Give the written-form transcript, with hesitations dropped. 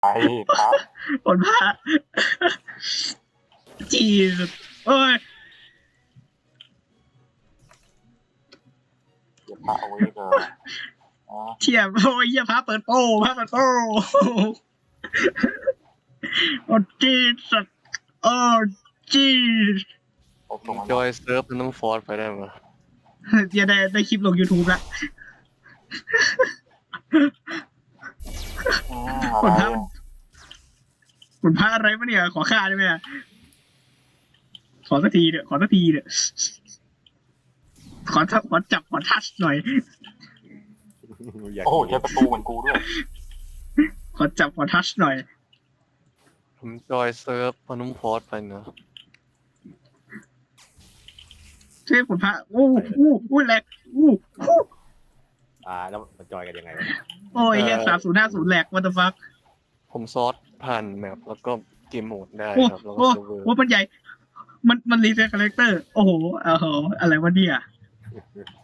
ไอ้พระผลพระจีสโอ้ยเก็บพระเอาไว้เถอะอ๋อเทียบโอ้ยเหี้ยพระเปิดโป้พระเปิดโป้โอ้จีสโอ้จีผมส่งมันจอยเซิร์ฟมันต้องฟอร์สไปได้ไหมเดี๋ยวได้คลิปลง YouTube ละอะไรผลพระอะไรวะเนี่ยขอค่าได้ไหมอะขอสักทีเถอะขอจับขอทัชหน่อยอยากโอ้โหเจอประตูเหมือนกูด้วยขอจับขอทัชหน่อยผมจอยเซิร์ฟมันต้องฟอร์สไปเนอะช่วยผลพระอู้แหลกอู้แล้วมันจอยกันยังไงวะโอ้ยเฮีย3050แหลก what the fuck ผมซอสผ่านแมปแล้วก็เกมโหมดได้โอ้ครับแล้วก็โอ้เซิร์ฟเวอร์โอ้มันใหญ่ มันรีเซ็ตคาแรคเตอร์ โอ้โหอะไรวะเนี่ย